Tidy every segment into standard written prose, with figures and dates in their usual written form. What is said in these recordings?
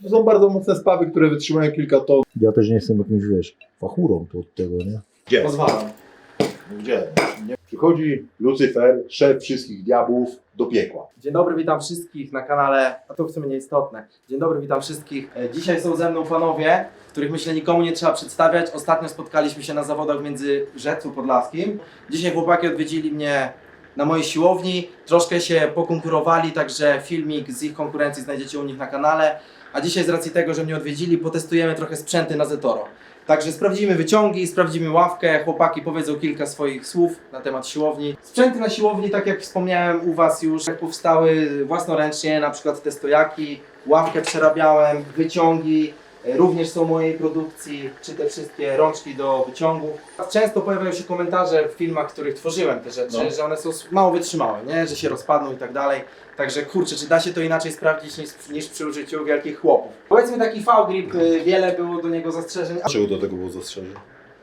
To są bardzo mocne spawy, które wytrzymają kilka ton. Ja też nie jestem jakimś, wiesz, fachurą to od tego, nie? Gdzie? Pozwalam. Gdzie? Nie. Przychodzi Lucyfer, szef wszystkich diabłów, do piekła. Dzień dobry, witam wszystkich na kanale, a to w sumie nieistotne. Dzień dobry, witam wszystkich. Dzisiaj są ze mną panowie, których myślę nikomu nie trzeba przedstawiać. Ostatnio spotkaliśmy się na zawodach w Międzyrzecu Podlaskim. Dzisiaj chłopaki odwiedzili mnie na mojej siłowni, troszkę się pokonkurowali, także filmik z ich konkurencji znajdziecie u nich na kanale. A dzisiaj z racji tego, że mnie odwiedzili, potestujemy trochę sprzęty na Zetoro. Także sprawdzimy wyciągi, sprawdzimy ławkę, chłopaki powiedzą kilka swoich słów na temat siłowni. Sprzęty na siłowni, tak jak wspomniałem u Was już, powstały własnoręcznie, na przykład te stojaki, ławkę przerabiałem, wyciągi, również są mojej produkcji, czy te wszystkie rączki do wyciągów. Często pojawiają się komentarze w filmach, w których tworzyłem te rzeczy, że one są mało wytrzymałe, nie? Że się rozpadną i tak dalej. Także kurczę, czy da się to inaczej sprawdzić niż przy użyciu wielkich chłopów? Powiedzmy taki V-grip, wiele było do niego zastrzeżeń. Dlaczego do tego było zastrzeżenie?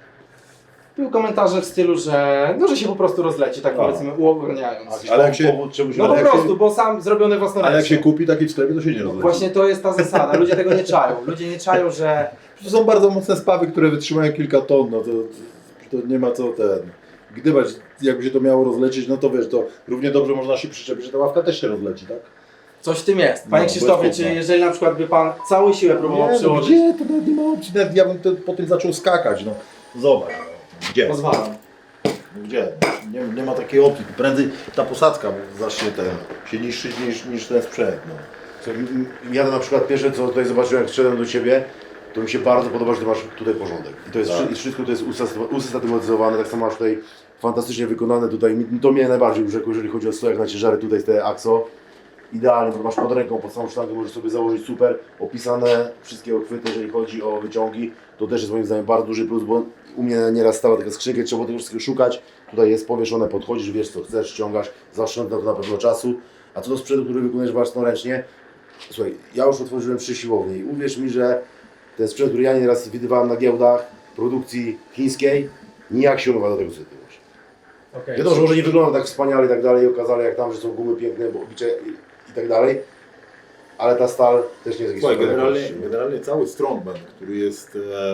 Były komentarze w stylu, że się po prostu rozleci, tak powiedzmy uogólniając. Ale jak się, No po prostu, bo sam zrobiony własnoręcznie. ale jak się kupi taki w sklepie, to się nie rozleci. Właśnie to jest ta zasada, ludzie tego nie czają. Ludzie nie czają, że To są bardzo mocne spawy, które wytrzymają kilka ton, no to nie ma co gdybać, jakby się to miało rozlecieć, no to wiesz, to równie dobrze można się przyczepić, że ta ławka też się rozleci, tak? coś w tym jest. Panie No, Krzysztofie, bez czy powodu. jeżeli na przykład by Pan całą siłę próbował Nie, no przyłożyć? gdzie? To nawet nie ma opcji, nawet ja bym po tym zaczął skakać, no. Zobacz, no. Gdzie? Pozwalam. Gdzie? Nie ma takiej opcji, prędzej ta posadzka zacznie się niszczyć niż ten sprzęt, no. Ja na przykład pierwsze co tutaj zobaczyłem, jak szedłem do Ciebie, to mi się bardzo podoba, że Ty masz tutaj porządek. I to jest Tak. i wszystko to jest usystematyzowane, tak samo masz tutaj fantastycznie wykonane tutaj. To mnie najbardziej urzekło, jeżeli chodzi o stojak na ciężary, tutaj jest te AXO. Idealnie, to masz pod ręką, pod samą sztangę możesz sobie założyć super, opisane wszystkie uchwyty, jeżeli chodzi o wyciągi. To też jest moim zdaniem bardzo duży plus, bo u mnie nieraz stała taka skrzynka, trzeba było tego wszystkiego szukać. Tutaj jest powieszone, podchodzisz, wiesz co chcesz, ściągasz, zaoszczędza to na pewno czasu. A co do sprzętu, który wykonujesz własnoręcznie, słuchaj, ja już otworzyłem 3 siłownie i uwierz mi, że ten sprzęt, który ja nieraz widywałem na giełdach produkcji chińskiej, nijak się umaga do tego, co ty masz. Okay. Wiadomo, że może nie wygląda tak wspaniale i tak dalej, i okazali jak tam, że są gumy piękne, bo oblicze i tak dalej, ale ta stal też nie jest Słuchaj, jakiś generalnie cały strongman, który jest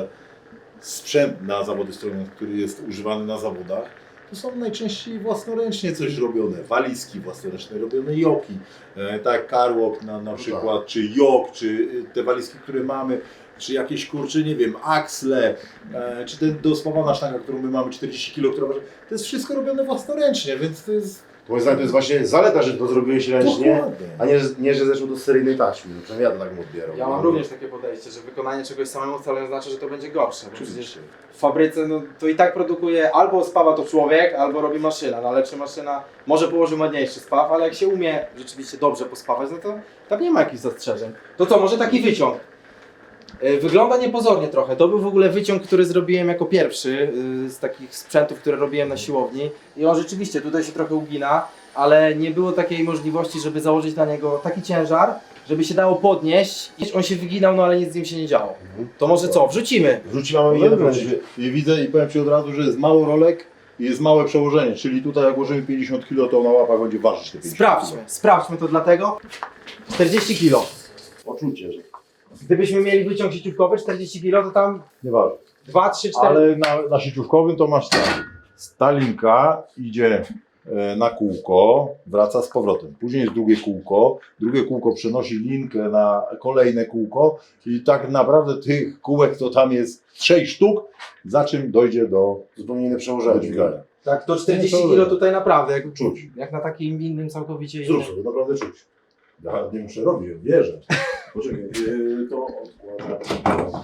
sprzęt na zawody strongman, który jest używany na zawodach, to są najczęściej własnoręcznie coś robione. Walizki własnoręcznie robione, joki, tak jak Carwalk na przykład, czy jok, czy te walizki, które mamy, czy jakieś kurcze, nie wiem, aksle, czy ten dospawana sztanga, którą my mamy 40 kg, która waży, to jest wszystko robione własnoręcznie, więc to jest... Moim zdaniem to jest właśnie zaleta, że to zrobiłeś ręcznie, Dokładnie. a nie, że zeszło do seryjnej taśmy. No, przynajmniej ja to tak bym odbierał. Ja mam również takie podejście, że wykonanie czegoś samemu wcale nie znaczy, że to będzie gorsze. Bo przecież w fabryce to i tak produkuje albo spawa to człowiek, albo robi maszyna. No ale czy maszyna może położy ładniejszy spaw, ale jak się umie rzeczywiście dobrze pospawać, no to tam nie ma jakichś zastrzeżeń. To co, może taki wyciąg? Wygląda niepozornie trochę. To był w ogóle wyciąg, który zrobiłem jako pierwszy z takich sprzętów, które robiłem na siłowni. I on rzeczywiście tutaj się trochę ugina, ale nie było takiej możliwości, żeby założyć na niego taki ciężar, żeby się dało podnieść. I on się wyginał, no ale nic z nim się nie działo. To może co, wrzucimy? Wrzucimy Jeden jeden I widzę i powiem Ci od razu, że jest mało rolek i jest małe przełożenie, czyli tutaj jak włożymy 50 kg, to na łapach będzie ważyć te 50 Sprawdźmy to dlatego. 40 kg. Poczucie, że Gdybyśmy mieli wyciąg sieciówkowy 40 kg, to tam nie waży. 2, 3, 4... Ale na sieciówkowym to masz tak. Ta linka idzie na kółko, wraca z powrotem. Później jest drugie kółko przenosi linkę na kolejne kółko i tak naprawdę tych kółek to tam jest 6 sztuk, za czym dojdzie do zupełnie inne do przełożenie. dźwigania. Tak, to 40 kg tutaj naprawdę, jak czuć. Jak na takim innym całkowicie innym. Zrób sobie, naprawdę czuć. Ja nie muszę robić, wierzę. Poczekaj, to odkładam.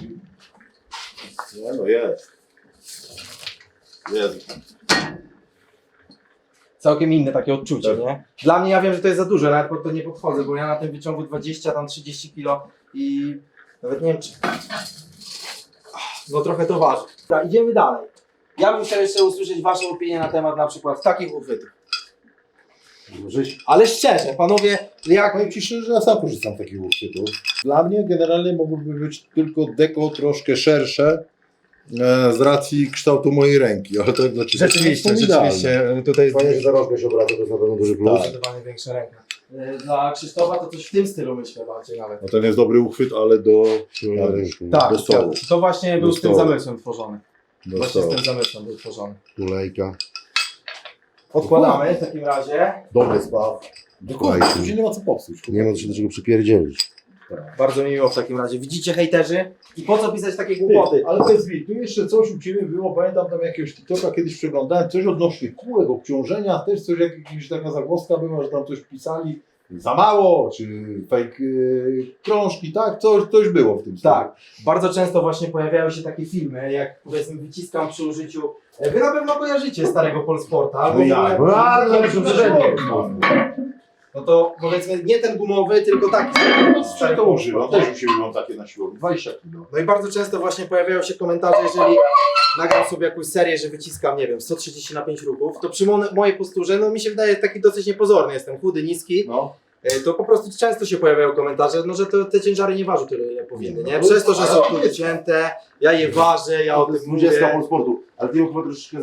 Nie no, jest. Jest. Całkiem inne takie odczucie, Tak. nie? Dla mnie, ja wiem, że to jest za dużo, nawet pod to nie podchodzę, bo ja na tym wyciągu 20, tam 30 kg i nawet nie wiem czy... No trochę to waży. Dobra, idziemy dalej. Ja bym chciał jeszcze usłyszeć Waszą opinię na temat na przykład takich uchwytów. Ale szczerze, panowie, jak... Powiem Ci szczerze, że ja sam korzystam z takich uchwytów. Dla mnie generalnie mogłoby być tylko deko troszkę szersze z racji kształtu mojej ręki, ale to znaczy Rzeczywiście, tutaj Fajnie, że za rączkę się obraca, to jest na pewno duży plus. zdecydowanie większa ręka. Dla Krzysztofa to coś w tym stylu myślę bardziej nawet. No ten jest dobry uchwyt, ale do Tak, do stołu. to właśnie był Do z tym stołu. zamysłem tworzony. Do Właśnie z stołu. tym zamysłem był tworzony. Tulejka. Odkładamy w takim razie. Dobry spaw. Dokładnie, tu się nie ma co popsuć. Nie ma się do czego przypierdzielić. Bardzo mi miło w takim razie. Widzicie, hejterzy? I po co pisać takie głupoty? Ale to jest tu jeszcze coś u Ciebie było, pamiętam tam jakiegoś TikToka kiedyś przeglądałem, coś odnośnie kółek, obciążenia, też coś, jakaś taka zagwozdka była, że tam coś pisali za mało, czy fake krążki, tak? Coś było w tym stylu. Tak, bardzo często właśnie pojawiają się takie filmy, jak powiedzmy wyciskam przy użyciu. Wy na pewno kojarzycie starego Polsporta, albo No w ja. ogóle- Bardzo No to powiedzmy nie ten gumowy, tylko taki. Stary to używam, też u siebie mam takie na siłowni, 20 kg. No i bardzo często właśnie pojawiają się komentarze, jeżeli nagram sobie jakąś serię, że wyciskam, nie wiem, 130 na 5 ruchów, to przy mojej posturze, no mi się wydaje taki dosyć niepozorny, jestem chudy, niski, No. to po prostu często się pojawiają komentarze, no że te ciężary nie ważą tyle, ile powinny, nie? No, Przez to, że są ale- tu wycięte, ja je ważę, ja o To tym jest 20 mówię. Polsportu. Ale ty ją chyba troszeczkę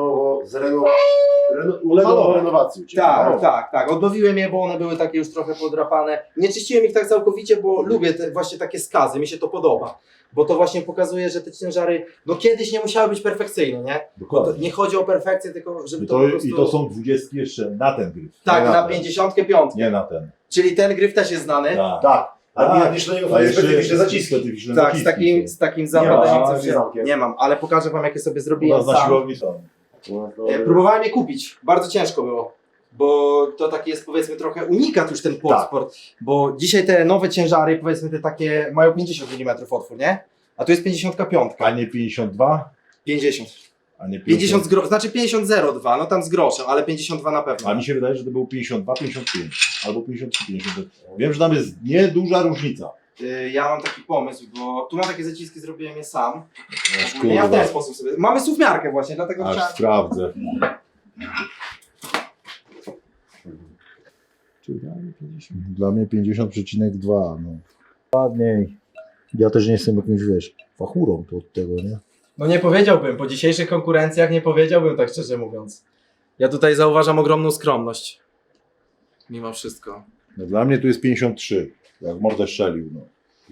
uległo renowacji u Ciebie. Tak. Odnowiłem je, bo one były takie już trochę podrapane. Nie czyściłem ich tak całkowicie, bo lubię właśnie takie skazy, mi się to podoba. Bo to właśnie pokazuje, że te ciężary, no kiedyś nie musiały być perfekcyjne, nie? To nie chodzi o perfekcję, tylko żeby I to, to, po prostu... I to są 20 jeszcze na ten gryf. Tak, nie na ten. 55. Nie na ten. Czyli ten gryf też jest znany. Tak. Tak. A Tak. nie, jeszcze na niego A są jeszcze specyficzne zaciski. specyficzne Tak, zaciski z takim ma, zapadem z zamkiem. nie mam, ale pokażę wam jakie sobie U zrobiłem nas na sam. siłowni są. Próbowałem je kupić, bardzo ciężko było, bo to taki jest powiedzmy trochę unikat już ten Polsport, bo dzisiaj te nowe ciężary powiedzmy te takie mają 50 mm otwór, nie? A tu jest 55, A nie 52? 50. A nie 50 znaczy 50,02, no tam z groszem, ale 52 na pewno. A mi się wydaje, że to było 52, 55 albo 53, 50. Wiem, że tam jest nieduża różnica. Ja mam taki pomysł, bo tu mam takie zaciski, zrobiłem je sam. Aż Ja w ten kurwa, sposób sobie. Mamy suwmiarkę właśnie, dlatego aż chciałem. sprawdzę. Dla mnie 50,2. No. Ładniej. Ja też nie jestem jakimś, wiesz, fachurą to od tego, nie? No nie powiedziałbym, po dzisiejszych konkurencjach nie powiedziałbym tak szczerze mówiąc. Ja tutaj zauważam ogromną skromność. Mimo wszystko. No, dla mnie tu jest 53, jak mordę strzelił. No.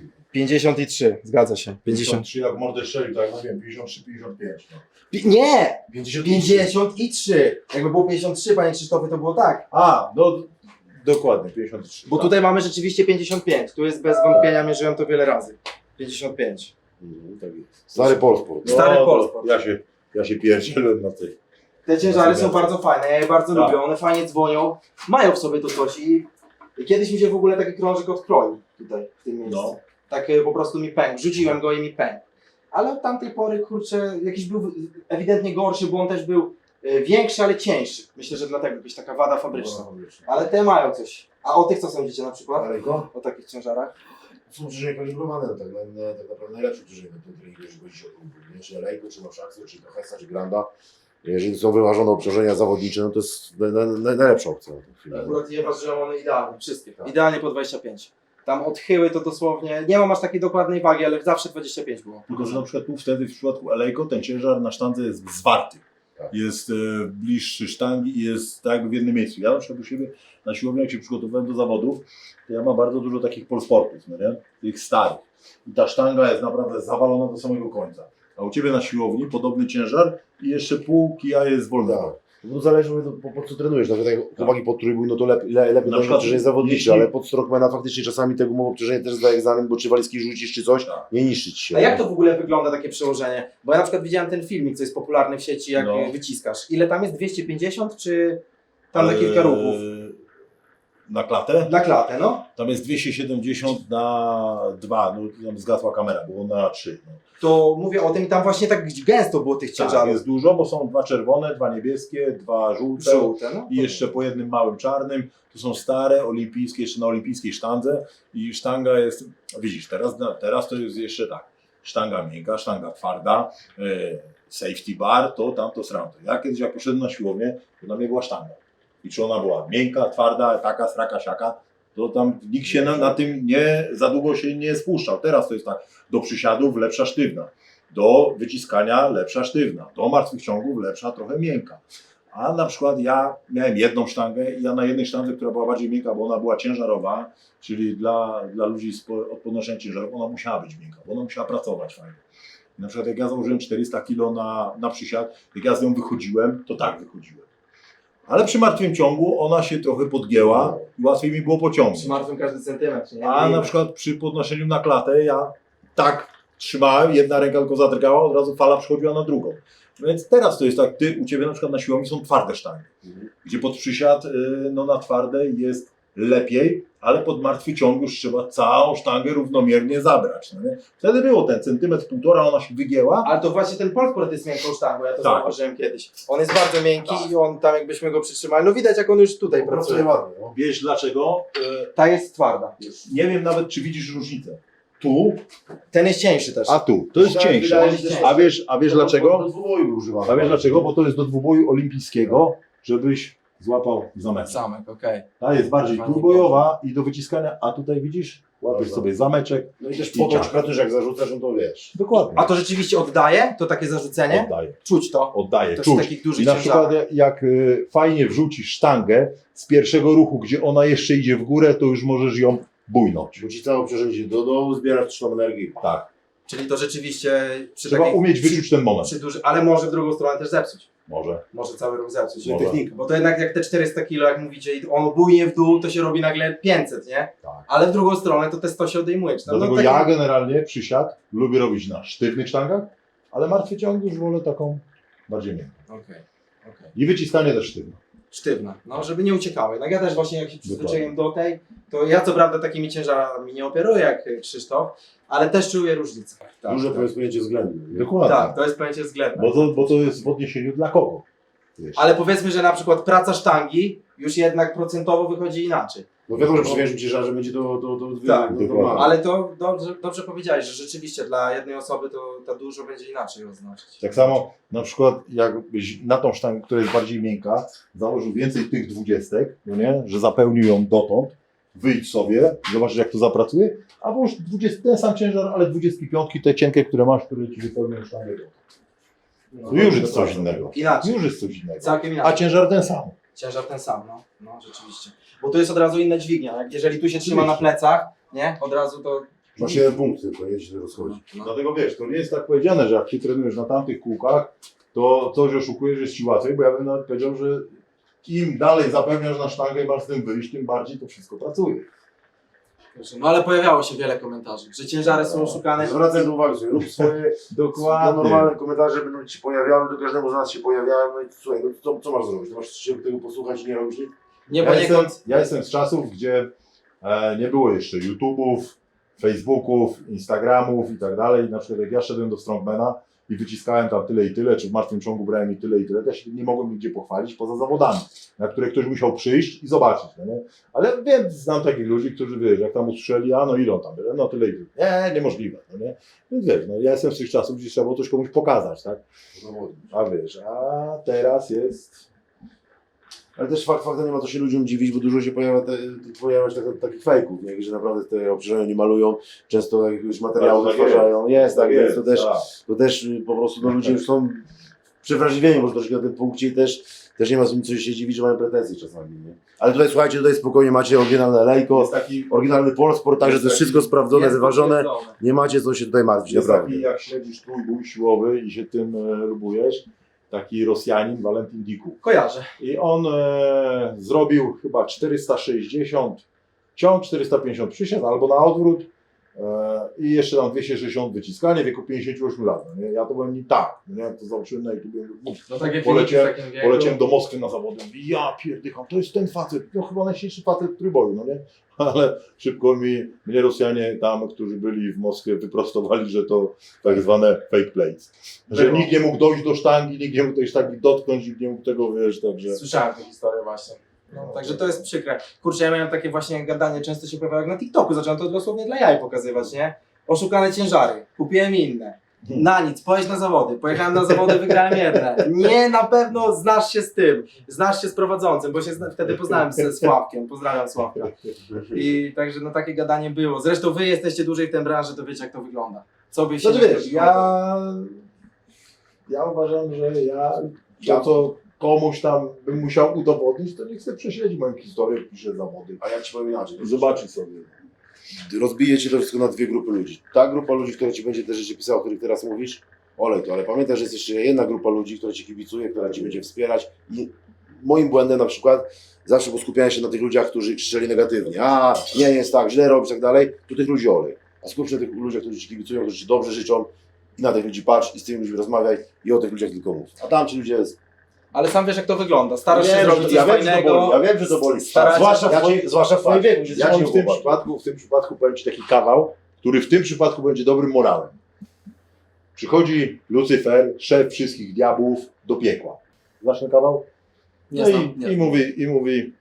53, zgadza się. 50. 53 jak mordę strzelił, tak jak mówiłem, 53, 55. No. Nie! 50. 53! Jakby było 53, panie Krzysztofie, to było tak. A, no dokładnie, 53. Bo tak. tutaj mamy rzeczywiście 55. Tu jest bez wątpienia, mierzyłem to wiele razy. 55. Tak jest. Stary Polsport. Stary to Polsport. Ja się pierdzielłem na tej. Te ciężary są bardzo fajne, ja je bardzo Tak. lubię, one fajnie dzwonią, mają w sobie to coś i kiedyś mi się w ogóle taki krążek odkroił tutaj, w tym miejscu. No. Tak po prostu mi pękł, rzuciłem go i mi pękł. Ale od tamtej pory, kurczę, jakiś był ewidentnie gorszy, bo on też był większy, ale cieńszy. Myślę, że dlatego jakaś taka wada fabryczna. Ale te mają coś. A o tych co sądzicie na przykład? Daleko? O takich ciężarach? Są ciężary kalibrowane, no tak, tak naprawdę najlepsze ciężary na tym treningu, jeżeli chodzi o klub, nie? Czy Lejko, czy Noszakso, czy Hesa, czy Granda. Jeżeli są wyważone obciążenia zawodnicze, no to jest najlepsza opcja. na tę chwilę. Akurat je ważyłem one idealnie, wszystkie. Tak. Idealnie po 25. Tam odchyły to dosłownie, nie mam aż takiej dokładnej wagi, ale zawsze 25 było. Tylko, że na przykład tu wtedy w przypadku Elejko ten ciężar na sztandze jest zwarty. Tak. Jest bliższy sztangi i jest tak jakby w jednym miejscu. Ja na przykład u siebie na siłowni, jak się przygotowywałem do zawodów, to ja mam bardzo dużo takich polsportów, no nie? Tych starych. I ta sztanga jest naprawdę zawalona do samego końca. A u Ciebie na siłowni podobny ciężar i jeszcze pół kija jest wolnego. Tak. No to zależy po co trenujesz. Nawet jak chłopaki pod trójbój, no to lepiej Na na przykład obciążenie zawodnicze, jeśli- ale pod strongmana faktycznie czasami tego gumowe obciążenie też zdaje egzamin, bo czy walizki rzucisz czy coś, Tak. nie niszczyć się. A jak to w ogóle wygląda takie przełożenie? Bo ja na przykład widziałem ten filmik, co jest popularny w sieci, jak No. wyciskasz. Ile tam jest? 250 czy tam na kilka ruchów? Na klatę? Na klatę, no. Tam jest 270 na 2, no tam zgasła kamera, było na 3. No. To mówię o tym i tam właśnie tak gęsto było tych Tak, ciężarów. jest dużo, bo są 2 czerwone, 2 niebieskie, 2 żółte Żółte, no. i jeszcze po jednym małym czarnym. To są stare, olimpijskie, jeszcze na olimpijskiej sztandze i sztanga jest, widzisz, teraz to jest jeszcze tak, sztanga miękka, sztanga twarda, safety bar, to tamto sramto. Ja kiedyś jak poszedłem na siłownię, to na mnie była sztanga. I czy ona była miękka, twarda, taka, straka, siaka, to tam nikt się na tym nie, za długo się nie spuszczał. Teraz to jest tak, do przysiadów lepsza sztywna, do wyciskania lepsza sztywna, do martwych ciągów lepsza trochę miękka. A na przykład ja miałem jedną sztangę i ja na jednej sztandze, która była bardziej miękka, bo ona była ciężarowa, czyli dla ludzi od podnoszenia ciężarów, ona musiała być miękka, bo ona musiała pracować fajnie. Na przykład jak ja założyłem 400 kg na przysiad, jak ja z nią wychodziłem, to tak wychodziłem. Ale przy martwym ciągu ona się trochę podgięła i łatwiej mi było pociągnąć. Przy martwym każdy centymetr, nie? A na przykład przy podnoszeniu na klatę ja tak trzymałem, jedna ręka tylko zadrgała, od razu fala przechodziła na drugą. Więc teraz to jest tak, u Ciebie na przykład na siłowni są twarde sztangi, gdzie pod przysiad no na twarde jest lepiej, ale pod martwy ciąg już trzeba całą sztangę równomiernie zabrać. No nie? Wtedy było ten centymetr, półtora, ona się wygięła. Ale to właśnie ten Polsport jest miękką sztangą, ja to Tak. zauważyłem kiedyś. On jest bardzo miękki i on tam jakbyśmy go przytrzymali, no widać jak on już tutaj pracuje. ładnie, no. Wiesz dlaczego? Ta jest twarda. Nie wiem nawet, czy widzisz różnicę. Tu, Ten jest cieńszy też. a tu. To jest Wydaje cieńsze. mi się, że- A wiesz dlaczego? Do dwuboju był używany. A wiesz dlaczego? Bo to jest do dwuboju olimpijskiego, żebyś złapał zameczek. Zamek, okej. Ta jest bardziej Fajnie trójbojowa i do wyciskania, a tutaj widzisz, łapiesz Dobra. sobie zameczek. No i też I potoczka ciach. też jak zarzucasz, no to wiesz. Dokładnie. A to rzeczywiście oddaje? To takie zarzucenie? Oddaje. Czuć to. Oddaje. To Czuć. przy takich dużych I na przykład ciężarach. jak fajnie wrzucisz sztangę z pierwszego ruchu, gdzie ona jeszcze idzie w górę, to już możesz ją bujnąć. Bo ci całe obciążenie idzie do dołu, zbierasz tą energię. Tak. Czyli to rzeczywiście przy Trzeba takich- umieć wyczuć ten moment. ale może w drugą stronę też zepsuć. Może. Może cały ruch zepsuć. Może. Technika. Bo to jednak jak te 400 kg, jak mówicie, i on bujnie w dół, to się robi nagle 500, nie? Tak. Ale w drugą stronę to te 100 się odejmuje. Czy tam, Dlatego no, ja generalnie przysiad lubię robić na sztywnych sztangach, ale martwy ciąg już wolę taką bardziej miękką. Okej. I wyciskanie też sztywne. Sztywna, no żeby nie uciekały. No ja też właśnie jak się przyzwyczaiłem do tej, to ja co prawda takimi ciężarami nie operuję jak Krzysztof, ale też czuję różnicę. Tak, Duże tak. to jest pojęcie względne. nie? Dokładnie. Tak, to jest pojęcie względne. Bo to jest w odniesieniu dla kogo. Wiesz. Ale powiedzmy, że na przykład praca sztangi już jednak procentowo wychodzi inaczej. No wiadomo, że przy większym ciężarze będzie to Tak, dokładnie. Ale to dobrze powiedziałeś, że rzeczywiście dla jednej osoby to dużo będzie inaczej oznaczać. Tak samo na przykład jakbyś na tą sztangę, która jest bardziej miękka, założył więcej tych 20, no nie? Że zapełnił ją dotąd, wyjdź sobie, zobaczysz jak to zapracuje, a włóż 20, ten sam ciężar, ale 25 te cienkie, które masz, które ci wypełnią sztangę dotąd. No, To już jest coś innego. Inaczej. Już jest coś innego. Całkiem A inaczej. ciężar ten sam. Ciężar ten sam, no rzeczywiście. Bo tu jest od razu inna dźwignia. Jak jeżeli tu się trzyma na plecach, nie? Od razu to. Masz jeden punkt tylko, nie się rozchodzi. No. Dlatego wiesz, to nie jest tak powiedziane, że jak ty trenujesz na tamtych kółkach, to coś oszukujesz, że jest ci łatwiej, bo ja bym nawet powiedział, że im dalej zapewniasz na sztangę i masz z tym wyjść, tym bardziej to wszystko pracuje. No ale pojawiało się wiele komentarzy, że ciężary są oszukane. Zwracaj uwagę sobie, rób swoje normalne komentarze będą ci się pojawiały, do każdego z nas się pojawiają, no i słuchaj, no co masz zrobić? To masz się tego posłuchać i nie robisz nic? Nie Ja jestem, poniekąd. ja jestem z czasów, gdzie nie było jeszcze YouTube'ów, Facebooków, Instagramów i tak dalej. Na przykład jak ja szedłem do Strongmana i wyciskałem tam tyle i tyle, czy w martwym ciągu brałem i tyle, to ja się nie mogłem nigdzie pochwalić poza zawodami, na które ktoś musiał przyjść i zobaczyć. No nie? Ale wiem, znam takich ludzi, którzy wiesz, jak tam usłyszeli, a no ile on tam byle, no tyle i tyle. Nie, niemożliwe. No nie? Więc wiesz, no, ja jestem z tych czasów, gdzie trzeba było coś komuś pokazać, tak? A wiesz, a teraz jest... Ale też faktem nie ma co się ludziom dziwić, bo dużo się pojawia się takich fejków, nie? Że naprawdę te obciążenia nie malują, często jakiegoś materiału Tak, wytwarzają. Jest tak, więc jest, to też po prostu no, ludzie już są przewrażliwieni może troszkę na tym punkcie i też nie ma z nim co się dziwić, że mają pretensje czasami. Nie? Ale tutaj słuchajcie, tutaj spokojnie macie oryginalne lejko, Jest taki, oryginalny Polsport, także to jest wszystko sprawdzone, Jest wyważone. potwierdzone. Nie macie co się tutaj martwić, jest naprawdę. taki jak śledzisz trójbój siłowy i się tym lubujesz, taki Rosjanin, Valentin Diku. Kojarzę. I on zrobił chyba 460 ciąg, 450 przysiad albo na odwrót i jeszcze tam 260 wyciskanie w wieku 58 lat. No nie? Ja to byłem nie tak, no nie? Jak to zobaczyłem na YouTube, No takie Poleciałem- filmiki w takim wieku. poleciałem do Moskwy na zawody, mówię, ja pierdycham, to jest ten facet, to chyba najsilniejszy facet w trójboju, no nie? Ale szybko mnie Rosjanie tam, którzy byli w Moskwie, wyprostowali, że to tak zwane fake plates. Że Było. nikt nie mógł dojść do sztangi, nikt nie mógł tej sztangi dotknąć, nikt nie mógł tego, wiesz, także... Słyszałem tę historię właśnie. No, także to jest przykre. Kurczę, ja miałem takie właśnie gadanie, często się pojawiało jak na TikToku, zacząłem to dosłownie dla jaj pokazywać, nie? Oszukane ciężary, kupiłem inne. Na nic, pojedź na zawody. Pojechałem na zawody, wygrałem jedne. Nie, na pewno znasz się z tym. Znasz się z prowadzącym, bo się wtedy poznałem ze Sławkiem. Pozdrawiam Sławka. I także no takie gadanie było. Zresztą wy jesteście dłużej w tej branży, to wiecie jak to wygląda. Co by się Znaczy nie wiesz, zrobiło, ja uważam, że ja to komuś tam bym musiał udowodnić, to niech sobie prześledzi moją historię, pisze zawody. A ja ci powiem inaczej. I zobaczy sobie. Rozbije ci to wszystko na dwie grupy ludzi. Ta grupa ludzi, która ci będzie te rzeczy pisała, o których teraz mówisz, olej to, ale pamiętaj, że jest jeszcze jedna grupa ludzi, która ci kibicuje, która ci będzie wspierać i moim błędem na przykład zawsze było skupianie się na tych ludziach, którzy krzyczeli negatywnie. A, nie jest tak, źle robisz, tak dalej, to tych ludzi olej. A skup się na tych ludziach, którzy ci kibicują, którzy ci dobrze życzą i na tych ludzi patrz i z tymi ludźmi rozmawiaj i o tych ludziach tylko mów. A tam ci ludzie Ale sam wiesz, jak to wygląda. Starasz się Wiem, zrobić że- coś ja wiem, że to fajnego. boli, ja wiem, że to boli. Staracie- Zwłaszcza w twoim wieku. że Ja jesteś ci w tym młody. przypadku powiem ci taki kawał, który w tym przypadku będzie dobrym morałem. Przychodzi Lucyfer, szef wszystkich diabłów, do piekła. Znasz ten kawał? Nie No znam, nie i znam. mówi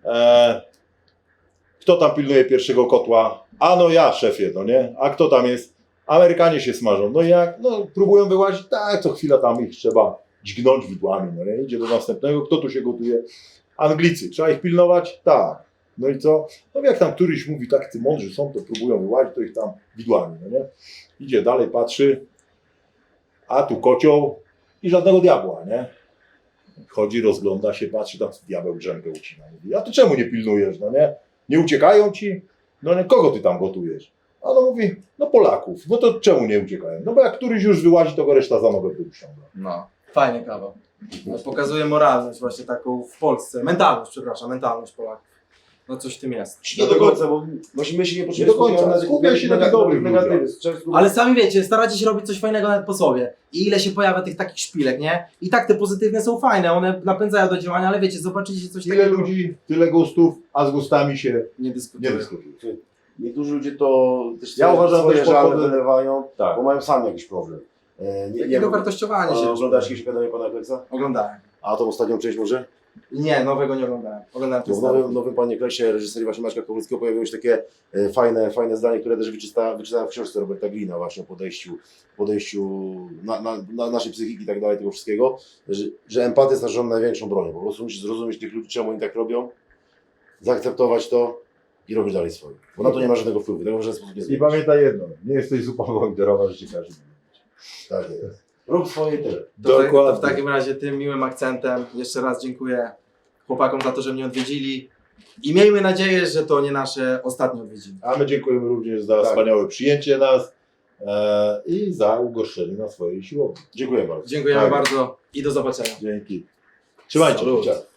kto tam pilnuje pierwszego kotła? A no ja, szefie, no nie? A kto tam jest? Amerykanie się smażą. No i jak? No próbują wyłazić, tak, co chwila tam ich trzeba dźgnąć widłami, no nie? Idzie do następnego, kto tu się gotuje? Anglicy, trzeba ich pilnować? Tak. No i co? No jak tam któryś mówi, tak, ty mądrzy są, to próbują wyłazić, to ich tam widłami, no nie? Idzie dalej, patrzy, a tu kocioł i żadnego diabła, nie? Chodzi, rozgląda się, patrzy, tam diabeł drzemkę ucina. Mówi, a ty czemu nie pilnujesz, no nie? Nie uciekają ci? No nie, kogo ty tam gotujesz? A no mówi, no Polaków. No to czemu nie uciekają? No bo jak któryś już wyłazi, to go reszta za nogę wyciąga. No, fajnie kawał. No, pokazuje moralność właśnie taką w Polsce. Mentalność, przepraszam, mentalność Polaków. No coś w tym jest. Nie do końca, bo my się nie Nie do końca. Skupiaj się na tych dobrych negatywy. Ale sami wiecie, staracie się robić coś fajnego nawet po sobie. I ile się pojawia tych takich szpilek, nie? I tak te pozytywne są fajne, one napędzają do działania, ale wiecie, zobaczycie coś Tyle takiego. ludzi, tyle gustów, a z gustami się Nie nie dyskutuję. dyskutuje. Niektórzy ludzie to też Ja uważam, swoje też żale podchodzę- wylewają, Tak. bo mają sami jakiś problem. Nie Takiego wiem, wartościowania się. oglądasz jakieś opowiadanie pana Kleksa? Oglądałem. A tą ostatnią część może? Nie, nowego nie oglądałem. Oglądałem No ten w nowym Panie Kleksie reżyserii właśnie Maćka Kowalskiego pojawiło się takie fajne zdanie, które też wyczytałem w książce Roberta Greena właśnie o podejściu na naszej psychiki i tak dalej, tego wszystkiego, że empatia jest naszą największą bronią. Po prostu musisz zrozumieć tych ludzi, czemu oni tak robią, zaakceptować to i robić dalej swoje. Bo na to nie ma żadnego wpływu, tego w żaden sposób nie I zmienisz. pamiętaj jedno, nie jesteś zupą pomidorową, że ci każdy. Tak jest. Rób swoje i tyle. To w takim razie tym miłym akcentem jeszcze raz dziękuję chłopakom za to, że mnie odwiedzili. I miejmy nadzieję, że to nie nasze ostatnie odwiedziny. A my dziękujemy również za Tak. wspaniałe przyjęcie nas i za ugoszczenie na swojej siłowni. Dziękuję bardzo. Dziękujemy Tak. bardzo i do zobaczenia. Dzięki. Trzymajcie Salut. się.